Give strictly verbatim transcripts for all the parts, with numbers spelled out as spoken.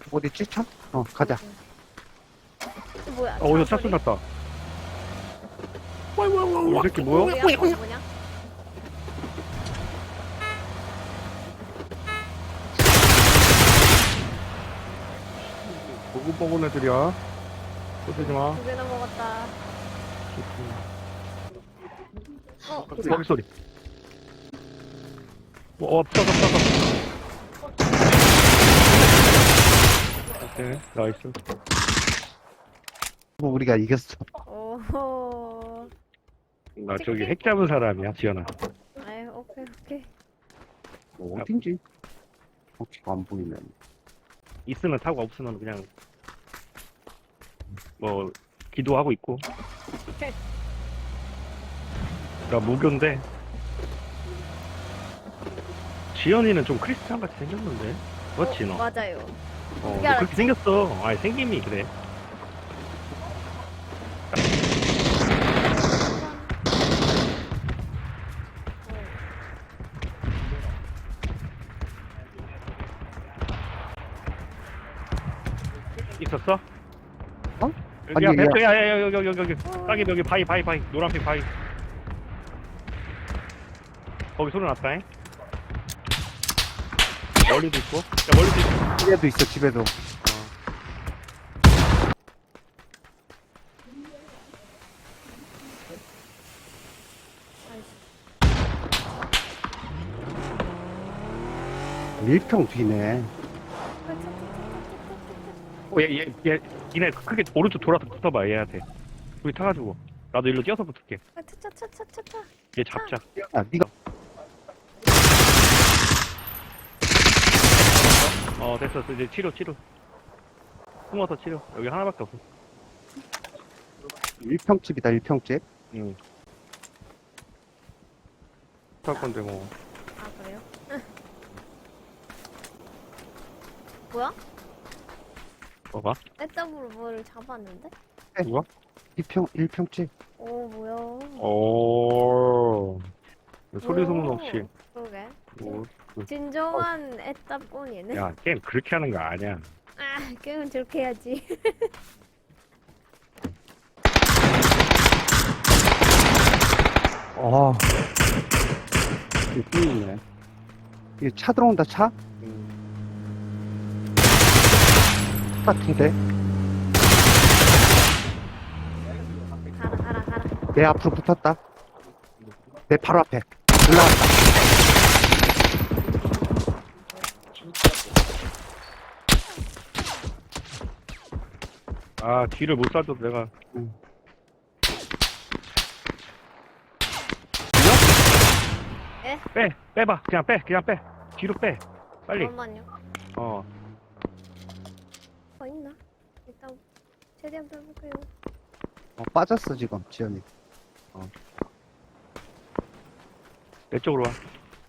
어디 찌차? 어, 가자. 어, 뭐야? 어, 어디서 차 차 소리? 쏜났다. 이 새끼 뭐야? 뭐야? 그거 뭐냐? 보글보글 애들이야. 쏘지 마. 두 개나 먹었다. 어, 소리, 소리. 어, 없어, 없어, 없어. 오케이, 나이스. 뭐 우리가 이겼어. 오호. 나 저기 핵 잡은 사람이야, 지연아. 아유, 오케이, 오케이. 뭐 어딘지. 혹시 안 보이면. 있으면 타고 없으면 그냥 뭐 기도하고 있고. 나 무교인데 지연이는 좀 크리스찬 같이 생겼는데 그렇지 너? 어, 맞아요. 어, 어떻게 너 알았지? 그렇게 생겼어. 아니 생김이 그래. 있었어? 어? 여기 아니, 앞에 야야야 여기 여기 여기 여기 딱이 여기 바위 바위 바위 노란색 바위. 거기 소리 났다잉. 멀리도 있고. 야 멀리도 있고. 집에도 있어, 집에도. 밀평 뒤네. 어, 얘, 얘, 얘, 니네 크게 오른쪽 돌아서 붙어봐, 얘한테. 우리 타가지고. 나도 일로 뛰어서 붙을게. 아, 차차차차차. 얘 잡자. 야, 니가. 어, 됐어. 이제 치료, 치료. 숨어서 치료. 여기 하나밖에 없어. 일평집이다, 일평집. 응. 탈 건데, 뭐. 아, 그래요? 뭐야? 뭐가? 애답으로 뭐를 잡았는데? 누가? 일평, 일평집. 오, 뭐야? 오. 소리 소문 오, 없이. 그러게. 오. 진정한 애답꾼이네. 야, 게임 그렇게 하는 거 아니야. 아, 게임은 저렇게 해야지. 어. 이게 뚫리네. 이게 차 들어온다, 차? 같은데? 가라, 가라, 가라. 내 앞으로 붙었다. 내 바로 앞에. 올라갔다. 아, 뒤를 못 쏴줘도 내가. 응. 에? 빼! 빼봐. 그냥 빼. 그냥 빼. 뒤로 빼. 빨리. 잠깐만요. 어. 뭐 있나? 일단 최대한 빼볼게요. 어, 빠졌어, 지금, 지연이. 내 쪽으로 와.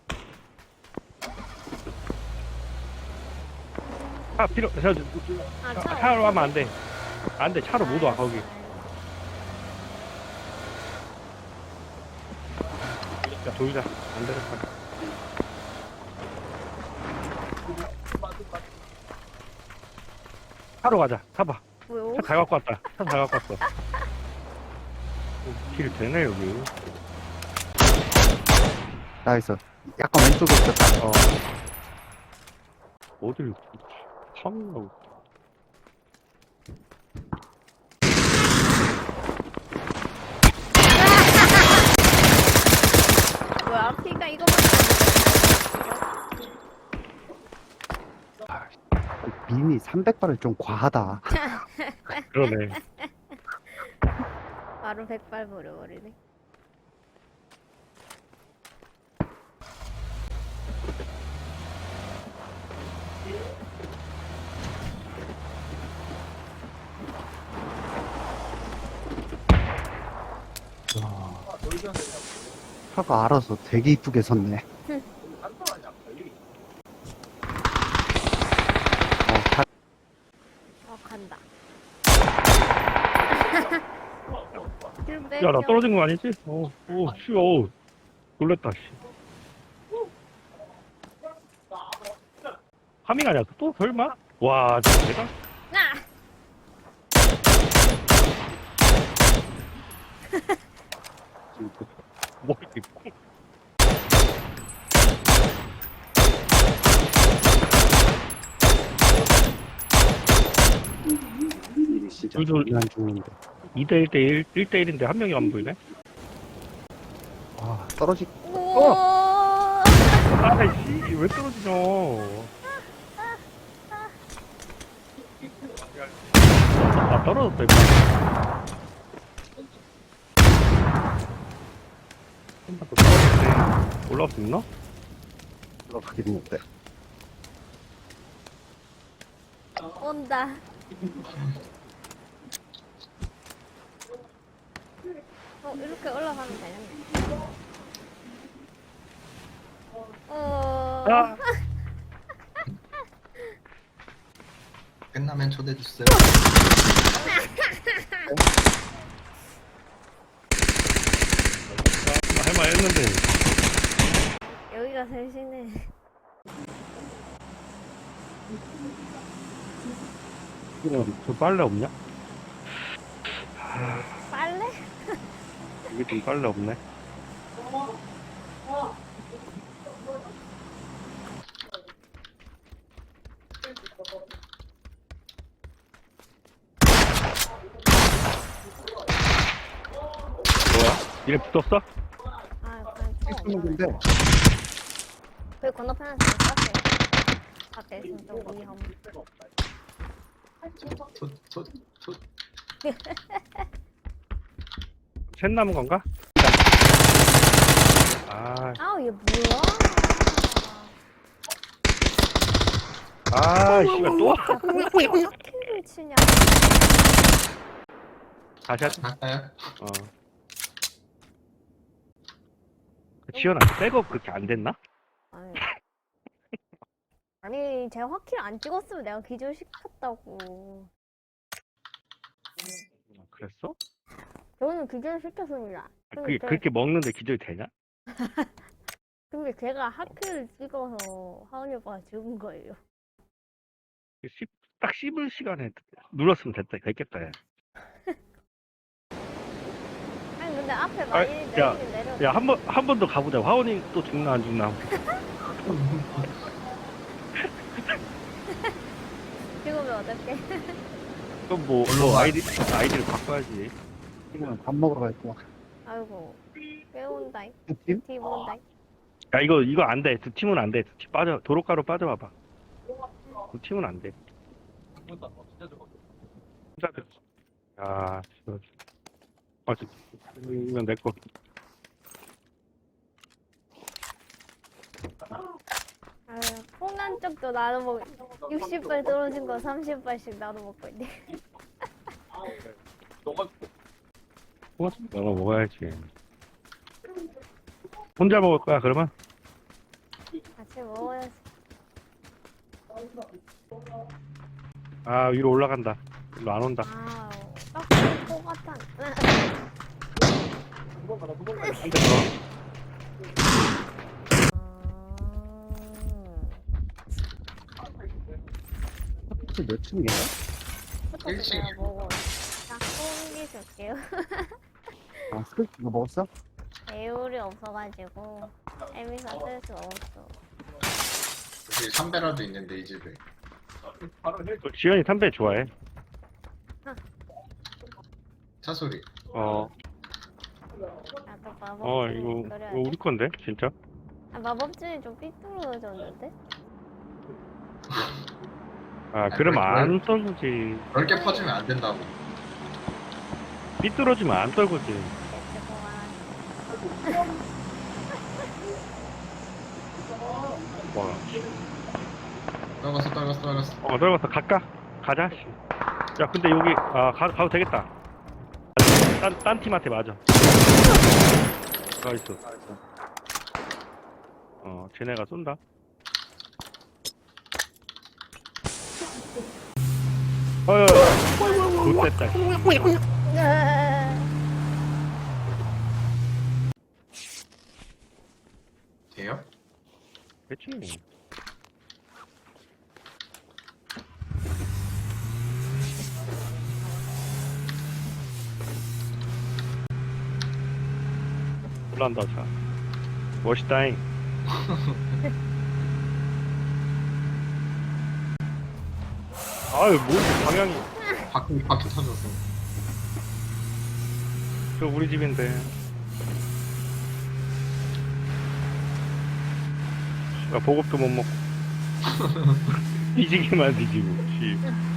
차 필요, 저, 저, 아, 차, 차 차로 하면 안 돼. 안 돼. 차로 못 와, 거기. 야, 돌자. 안 되겠다. 차로 가자. 타봐. 뭐요? 차 잘 갖고 왔다. 차 잘 갖고 왔어. 어, 길 되네, 여기. 나이스. 약간 왼쪽에 있었다. 어. 어딜, 타면 뭐야? 피가 이거밖에 미니 삼백 발은 좀 과하다. 그러네. 바로 백발 버려버리네. 차가 알아서 되게 이쁘게 섰네. 어, 다, 어, 간다. 야, 나 떨어진 거 아니지? 어, 오, 씨, 어 놀랬다, 씨. 파밍 아니야? 또 설마? 와, 진짜 내가? 나! 뭐, 이렇게 콩. 일이 진짜 둘둘. 장난 중인데. 이 대 일 대 일, 일 대 일인데 한 명이 안 보이네? 아, 떨어지, 우와! 아이씨, 왜 떨어지냐. 아, 떨어졌다, 이거. 한번 더 떨어졌네. 올라올 수 있나? 들어가게 됐는데. 온다. 어, 이렇게 올라가면 되겠네. 어, 아, 끝나면 초대해 주세요. 할말 했는데. 여기가 셋이네. 저 빨래 없냐? 빨래? 여기 좀 빨래 없네. 뭐야? 이래 붙었어? 아, 그냥 총 없네. 했는데, 그 건너편에서 쐈어요. 앞에 있으면 좀 위험. 초, 초, 초. 셋 남은 건가? 아, 아우, 얘 뭐야? 아, 씨발 또? 야, 그왜 하키를 치냐? 다시 하자. 할까요? 어. 그 지연아, 백업 그렇게 안 됐나? 아니, 아니 제가 화키를 안 찍었으면 내가 기절시켰다고. 그랬어? 저는 기절시켰습니다. 근데, 그게 제- 그렇게 먹는데 기절이 되냐? 근데 제가 하키를 찍어서 하은이 오빠가 죽은 거예요. 씹, 딱 씹을 시간에 눌렀으면 됐다, 됐겠다. 야, 아니 근데 앞에 많이 야, 내리긴 내려. 야, 한 번, 한 번 더 가보자. 화원이 또 죽나, 안 죽나. 죽으면 어떡해? 그럼 뭐, 뭐 아이디, 아이디를 바꿔야지. 지금 밥 먹으러 갈 거야. 아이고 깨운다잉. 그 팀? 뒤 본다잉. 야, 이거, 이거 안 돼. 두 팀은 안 돼. 두 팀 빠져, 도로가로 빠져봐봐. 두 팀은 안 돼. 혼자 야, 저, 아, 저, 이건 내 거. 아유 풍란 쪽도 나도 먹. 육십 발 떨어진 거 삼십 발씩 나도 먹고 있네. 너가 먹어야지. 혼자 먹을 거야, 그러면? 같이 먹어야지. 아, 위로 올라간다. 일로 안 온다. 아우 딱코 같아. 한 대 더. 혹시 몇 층이야? 부터 일 층. 내가 먹어. 딱 옮기줄게요. 아, 스크 이거 먹었어? 배율이 없어가지고 에미사 쓸 수 없어. 여기 삼배라도 있는데 이 집에. 지연이 담배 좋아해. 차 소리. 어, 나도 마법. 어, 이거, 이거 우리 건데, 진짜? 아, 마법진이 좀 삐뚤어졌는데? 아, 그러면 안 떨구지. 넓게 퍼지면 안 된다고. 삐뚤어지면 안 떨구지. 대체공한. 와, 떨궜어, 떨궜어, 떨궜어. 어, 떨궜어. 갈까? 가자, 씨. 야, 근데 여기, 아, 가, 가도 되겠다. 딴, 딴 팀한테 맞아. 가 있어. 어, 쟤네가 쏜다. 어휴, 좋됐다. 돼요? 됐지. 올라온다 차. 멋있다잉. 아유 뭐지 방향이. 바퀴 바퀴 터졌어. 저 우리 집인데. 나 보급도 못 먹고. 뒤지기만 뒤지고. 씨.